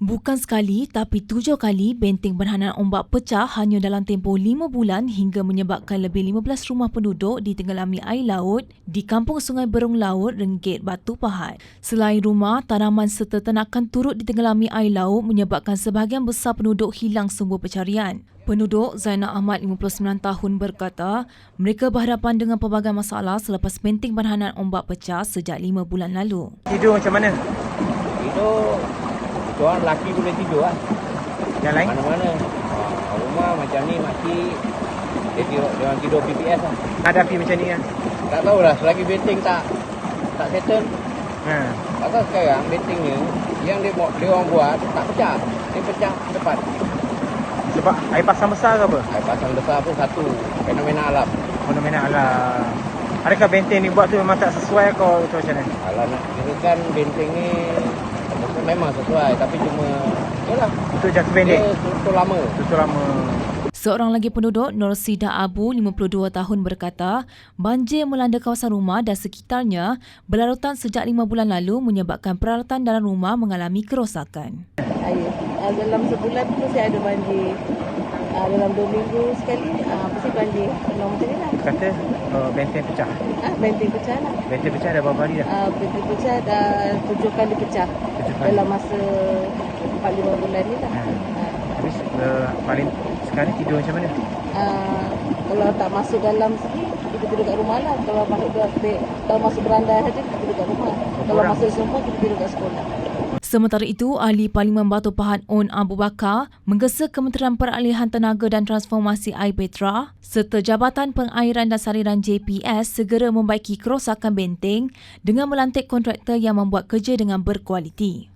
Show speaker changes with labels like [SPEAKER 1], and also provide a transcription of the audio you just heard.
[SPEAKER 1] Bukan sekali tapi 7 kali benteng berhantaran ombak pecah hanya dalam tempoh 5 bulan hingga menyebabkan lebih 15 rumah penduduk ditenggelami air laut di Kampung Sungai Berung Laut, Renggit, Batu Pahat. Selain rumah, tanaman serta ternakan turut ditenggelami air laut menyebabkan sebahagian besar penduduk hilang sumber pencarian. Penduduk Zainal Ahmad 59 tahun berkata mereka berhadapan dengan pelbagai masalah selepas benteng berhantaran ombak pecah sejak 5 bulan lalu.
[SPEAKER 2] Tidur macam mana?
[SPEAKER 3] Tidur, itu orang lelaki boleh tidur lah.
[SPEAKER 2] Yang lain?
[SPEAKER 3] Mana-mana. Rumah macam ni makcik, dia orang tidur PPS lah.
[SPEAKER 2] Hadapi macam ni kan?
[SPEAKER 3] Tak tahulah, selagi benteng tak settle. Pasal sekarang benteng ni, yang dia orang buat tak pecah. Dia pecah cepat.
[SPEAKER 2] Sebab air pasang besar ke apa?
[SPEAKER 3] Air pasang besar pun satu, fenomena alam.
[SPEAKER 2] Fenomena alam. Adakah benteng ni buat tu memang tak sesuai atau macam mana?
[SPEAKER 3] Kalau nak kira kan benteng ni memang sesuai, tapi cuma yalah,
[SPEAKER 2] Untuk jangka pendek?
[SPEAKER 3] dia tutup lama.
[SPEAKER 2] Tutup lama.
[SPEAKER 1] Seorang lagi penduduk, Nur Sida Abu, 52 tahun berkata, banjir melanda kawasan rumah dan sekitarnya berlarutan sejak 5 bulan lalu menyebabkan peralatan dalam rumah mengalami kerosakan.
[SPEAKER 4] Dalam sebulan tu mesti ada banjir. Dalam 2 minggu sekali mesti banjir. Penuh macam ni lah.
[SPEAKER 2] Kata benteng pecah.
[SPEAKER 4] Benteng pecah lah.
[SPEAKER 2] Benteng pecah dah berapa hari dah?
[SPEAKER 4] Benteng pecah dah 7 kali pecah.
[SPEAKER 2] 7 kali.
[SPEAKER 4] Dalam masa 4-5 bulan ni lah.
[SPEAKER 2] Habis paling sekarang tidur macam mana?
[SPEAKER 4] Kalau tak masuk dalam sini, kita tidur kat rumah lah. Kalau masuk berandai saja, kita tidur kat rumah. Kalau masuk semua, kita tidur kat sekolah.
[SPEAKER 1] Sementara itu, Ahli Parlimen Batu Pahat On Abu Bakar menggesa Kementerian Peralihan Tenaga dan Transformasi Air Petra serta Jabatan Pengairan dan Saliran JPS segera membaiki kerosakan benteng dengan melantik kontraktor yang membuat kerja dengan berkualiti.